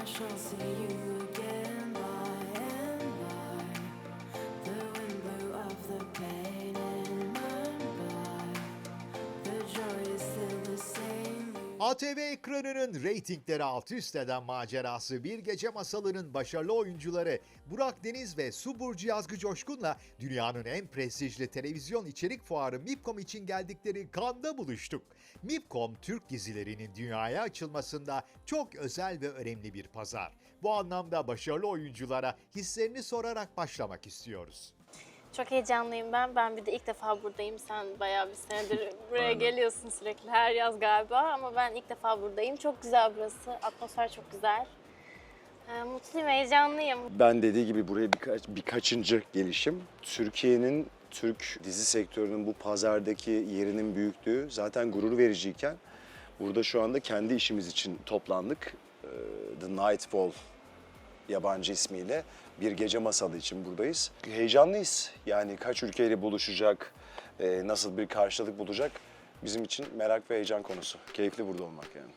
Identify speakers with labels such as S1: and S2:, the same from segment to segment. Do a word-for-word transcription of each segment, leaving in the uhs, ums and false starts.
S1: shall see you again by and by. The wind blew off the pain in my mind. The joy is still the same.
S2: A T V ekranının reytingleri alt üst eden macerası Bir Gece Masalı'nın başarılı oyuncuları Burak Deniz ve Su Burcu Yazgı Coşkun'la dünyanın en prestijli televizyon içerik fuarı MIPCOM için geldikleri Cannes'da buluştuk. MIPCOM, Türk dizilerinin dünyaya açılmasında çok özel ve önemli bir pazar. Bu anlamda başarılı oyunculara hislerini sorarak başlamak istiyoruz.
S3: Çok heyecanlıyım ben. Ben bir de ilk defa buradayım. Sen bayağı bir senedir buraya
S4: Aynen.
S3: geliyorsun sürekli her yaz galiba. Ama ben ilk defa buradayım. Çok güzel burası. Atmosfer çok güzel. Ee, mutluyum, heyecanlıyım.
S4: Ben dediği gibi buraya birkaç, birkaçıncı gelişim. Türkiye'nin, Türk dizi sektörünün bu pazardaki yerinin büyüklüğü zaten gurur vericiyken burada şu anda kendi işimiz için toplandık. Ee, The Nightfall yabancı ismiyle Bir Gece Masalı için buradayız. Heyecanlıyız. Yani kaç ülkeyle buluşacak, e, nasıl bir karşılık bulacak bizim için merak ve heyecan konusu. Keyifli burada olmak yani.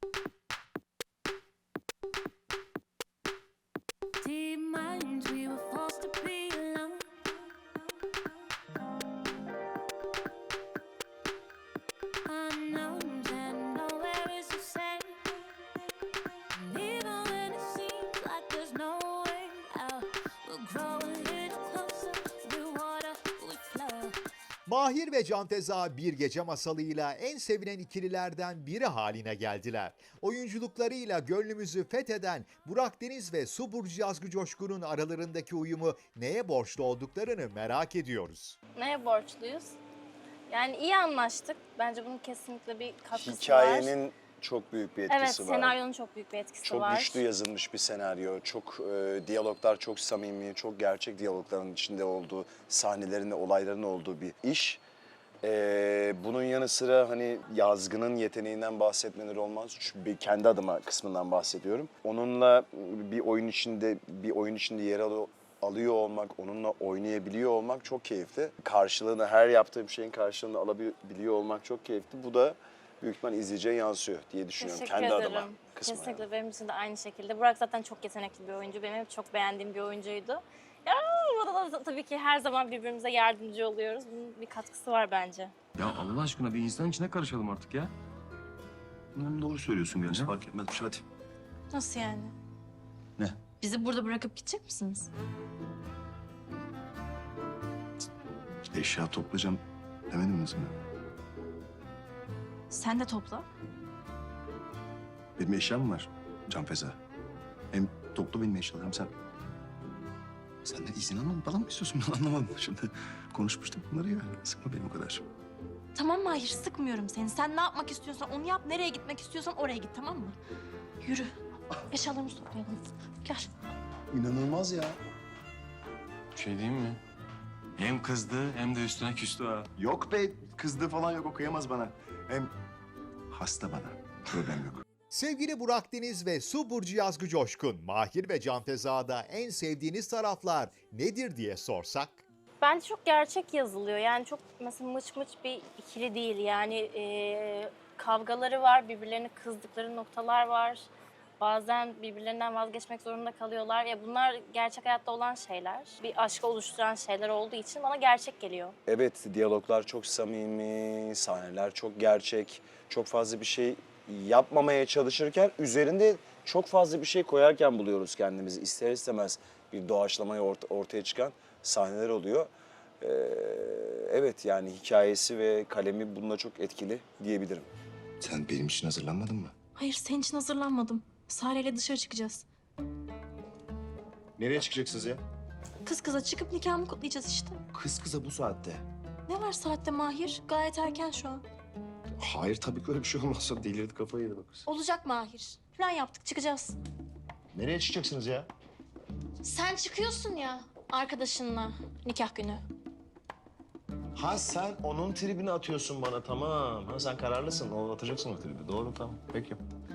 S1: Deep minds, we were forced to be alone. Unknowns and nowhere is the same. And even when it seems like there's no way out, we'll grow a little closer through water we flow.
S2: Mahir ve Canteza Bir Gece Masalı'yla en sevilen ikililerden biri haline geldiler. Oyunculuklarıyla gönlümüzü fetheden Burak Deniz ve Su Burcu Yazgı Coşkun'un aralarındaki uyumu neye borçlu olduklarını merak ediyoruz.
S3: Neye borçluyuz? Yani iyi anlaştık. Bence bunun kesinlikle bir katkısı var.
S4: Hikayenin çok büyük bir etkisi
S3: Evet,
S4: var.
S3: senaryonun çok büyük bir etkisi
S4: Çok
S3: var.
S4: güçlü yazılmış bir senaryo. Çok e, diyaloglar çok samimi, çok gerçek diyalogların içinde olduğu, sahnelerin, olayların olduğu bir iş. E, bunun yanı sıra hani yazgının yeteneğinden bahsetmeleri olmaz. Çünkü bir kendi adıma kısmından bahsediyorum. Onunla bir oyun içinde bir oyun içinde yer alıyor alıyor olmak, onunla oynayabiliyor olmak çok keyifli. Karşılığını, her yaptığı bir şeyin karşılığını alabiliyor olmak çok keyifli. Bu da büyük ihtimal izleyiciye yansıyor diye düşünüyorum.
S3: Teşekkür
S4: Kendi
S3: ederim.
S4: adıma kısmı.
S3: Kesinlikle
S4: yani.
S3: benim için de aynı şekilde. Burak zaten çok yetenekli bir oyuncu. Benim hep çok beğendiğim bir oyuncuydu. Ya burada da tabii ki her zaman birbirimize yardımcı oluyoruz. Bunun bir katkısı var bence.
S5: Ya Allah aşkına bir insan içine karışalım artık ya.
S6: Hı, doğru söylüyorsun gerçi. Fark etmez bir şey hadi.
S3: Nasıl yani?
S6: Ne?
S3: Bizi burada bırakıp gidecek misiniz?
S6: Eşya toplayacağım demediniz mi?
S3: Sen de topla.
S6: Benim eşyam var Can Feza. Hem topla benim eşyalarım hem sen. Senden izin almam falan mı istiyorsun? Ben anlamadım şimdi. Konuşmuştuk bunları ya. Sıkma beni o kadar.
S7: Tamam Mahir, sıkmıyorum seni. Sen ne yapmak istiyorsan onu yap. Nereye gitmek istiyorsan oraya git, tamam mı? Yürü. Eşyalarımızı toplayalım. Gel.
S6: İnanılmaz ya.
S5: Bir şey diyeyim mi? Hem kızdı hem de üstüne küstü ha.
S6: Yok be, kızdığı falan yok. O kıyamaz bana. Hem hasta bana. Problem yok.
S2: Sevgili Burak Deniz ve Su Burcu Yazgı Coşkun, Mahir ve Canteza'da en sevdiğiniz taraflar nedir diye sorsak?
S3: Bence çok gerçek yazılıyor. Yani çok mesela mıç mıç bir ikili değil. Yani e, kavgaları var, birbirlerine kızdıkları noktalar var. Bazen birbirlerinden vazgeçmek zorunda kalıyorlar. Ya bunlar gerçek hayatta olan şeyler. Bir aşkı oluşturan şeyler olduğu için bana gerçek geliyor.
S4: Evet, diyaloglar çok samimi, sahneler çok gerçek. Çok fazla bir şey yapmamaya çalışırken üzerinde çok fazla bir şey koyarken buluyoruz kendimizi. İster istemez bir doğaçlamaya ort- ortaya çıkan sahneler oluyor. Ee, evet yani hikayesi ve kalemi bununla çok etkili diyebilirim.
S6: Sen benim için hazırlanmadın mı?
S7: Hayır, senin için hazırlanmadım. Sare'yle dışarı çıkacağız.
S6: Nereye çıkacaksınız ya?
S7: Kız kıza çıkıp nikahımı kutlayacağız işte.
S6: Kız kıza bu saatte.
S7: Ne var saatte Mahir? Gayet erken şu an.
S6: Hayır tabii ki öyle bir şey olmazsa delirdi kafayı yedi bak kız.
S7: Olacak Mahir. Plan yaptık, çıkacağız.
S6: Nereye çıkacaksınız ya?
S7: Sen çıkıyorsun ya arkadaşınla nikah günü.
S8: Ha sen onun tribini atıyorsun bana, tamam. Ha sen kararlısın, o atacaksın o tribi. Doğru, tamam. Peki.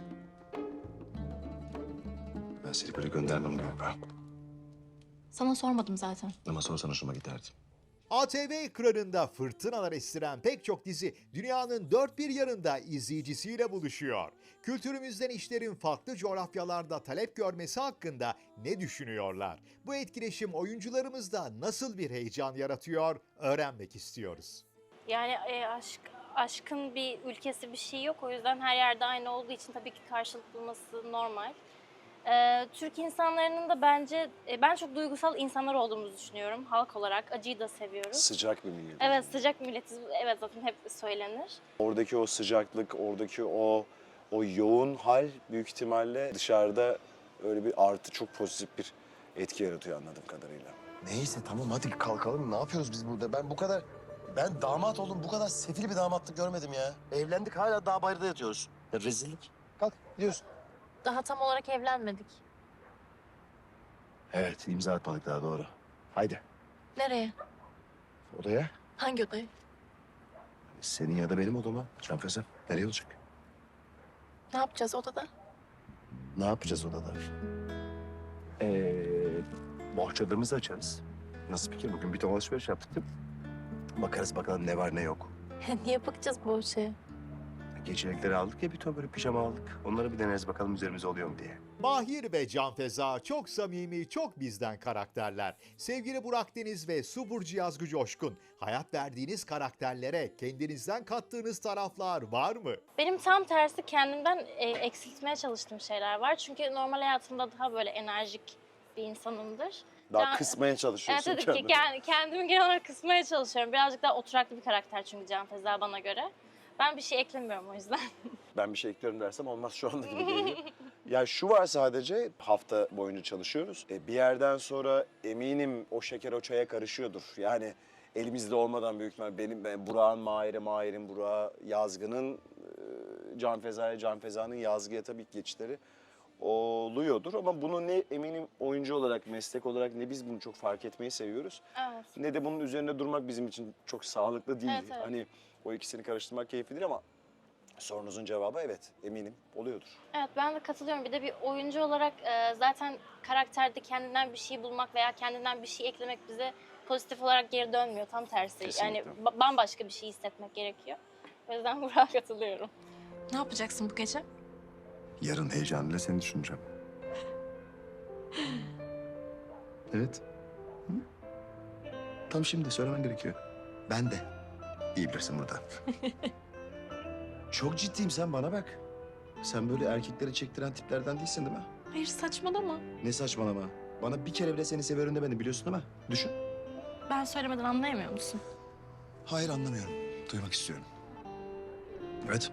S6: Ben seni böyle göndermem galiba.
S7: Sana sormadım zaten.
S6: Ama sorsan hoşuma giderdi.
S2: A T V ekranında fırtınalar estiren pek çok dizi dünyanın dört bir yanında izleyicisiyle buluşuyor. Kültürümüzden işlerin farklı coğrafyalarda talep görmesi hakkında ne düşünüyorlar? Bu etkileşim oyuncularımızda nasıl bir heyecan yaratıyor öğrenmek istiyoruz.
S3: Yani e, aşk aşkın bir ülkesi bir şey yok. O yüzden her yerde aynı olduğu için tabii ki karşılık bulması normal. Ee, Türk insanlarının da bence, e, ben çok duygusal insanlar olduğumuzu düşünüyorum. Halk olarak acıyı da seviyoruz.
S4: Sıcak bir millet.
S3: Evet, sıcak milletiz. Evet, zaten hep söylenir.
S4: Oradaki o sıcaklık, oradaki o o yoğun hal büyük ihtimalle dışarıda öyle bir artı, çok pozitif bir etki yaratıyor anladığım kadarıyla.
S6: Neyse tamam hadi kalkalım. Ne yapıyoruz biz burada? Ben bu kadar... Ben damat oldum. Bu kadar sefil bir damatlık görmedim ya. Evlendik hala dağ bayırda yatıyoruz. Ya rezillik. Kalk gidiyoruz.
S7: Daha tam olarak evlenmedik.
S6: Evet imza atmadık daha doğru. Haydi
S7: Nereye?
S6: odaya.
S7: Hangi odaya?
S6: Senin ya da benim odama. Canfeze. Nereye olacak?
S7: Ne yapacağız odada?
S6: Ne yapacağız odada? Ee, bohçalarımızı açarız. Nasıl fikir? Bugün bir ton alışveriş yaptık değil mi? Bakarız bakalım ne var ne yok.
S7: Niye bakacağız bu şeye?
S6: Gecelikleri aldık ya bir ton böyle pijama aldık. Onları bir deneriz bakalım üzerimize oluyor mu diye.
S2: Mahir ve Canfeza çok samimi, çok bizden karakterler. Sevgili Burak Deniz ve Su Burcu Yazgı Coşkun, hayat verdiğiniz karakterlere kendinizden kattığınız taraflar var mı?
S3: Benim tam tersi kendimden e, eksiltmeye çalıştığım şeyler var. Çünkü normal hayatımda daha böyle enerjik bir insanımdır.
S4: Daha
S3: Can-
S4: kısmaya
S3: Evet,
S4: çalışıyorsun
S3: tabii ki
S4: kendini.
S3: kend- kendimi genel olarak kısmaya çalışıyorum. Birazcık daha oturaklı bir karakter çünkü Canfeza bana göre. Ben bir şey eklemiyorum o yüzden.
S4: Ben bir şey eklerim dersem olmaz şu anda gibi geliyor. Ya şu var, sadece hafta boyunca çalışıyoruz. E, bir yerden sonra eminim o şeker o çaya karışıyordur. Yani elimizde olmadan büyük ihtimal benim, ben Burak'ın Mahir'e, Mahir'in Burak'a, Yazgı'nın e, Canfeza'ya, Canfeza'nın Yazgı'ya tabii ki geçişleri oluyordur. Ama bunu ne eminim oyuncu olarak, meslek olarak ne biz bunu çok fark etmeyi seviyoruz.
S3: Evet.
S4: Ne de bunun üzerinde durmak bizim için çok sağlıklı değil.
S3: Evet, evet.
S4: Hani o ikisini karıştırmak keyiflidir ama sorunuzun cevabı evet, eminim oluyordur.
S3: Evet, ben de katılıyorum. Bir de bir oyuncu olarak e, zaten karakterde kendinden bir şey bulmak veya kendinden bir şey eklemek bize pozitif olarak geri dönmüyor. Tam tersi.
S4: Kesinlikle.
S3: Yani ba- bambaşka bir şey hissetmek gerekiyor. O yüzden Burak'a katılıyorum.
S7: Ne yapacaksın bu gece?
S6: Yarın heyecanıyla seni düşüneceğim. Evet. Hı? Tam şimdi söylemen gerekiyor. Ben de. İyi bilirsin burada. Çok ciddiyim, sen bana bak. Sen böyle erkekleri çektiren tiplerden değilsin değil mi?
S7: Hayır saçmalama.
S6: Ne saçmalama. Bana bir kere bile seni seviyorum demedin, biliyorsun değil mi? Düşün.
S7: Ben söylemeden anlayamıyor musun?
S6: Hayır anlamıyorum. Duymak istiyorum. Evet.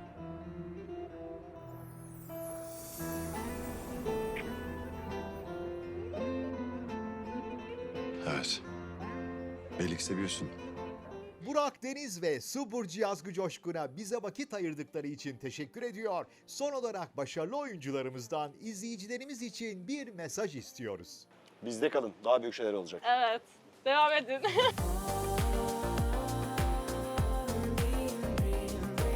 S6: Evet. Belli ki seviyorsun.
S2: Burak Deniz ve Su Burcu Yazgı Coşkun'a bize vakit ayırdıkları için teşekkür ediyor. Son olarak başarılı oyuncularımızdan izleyicilerimiz için bir mesaj istiyoruz.
S4: Bizde kalın, daha büyük şeyler olacak.
S3: Evet. Devam edin.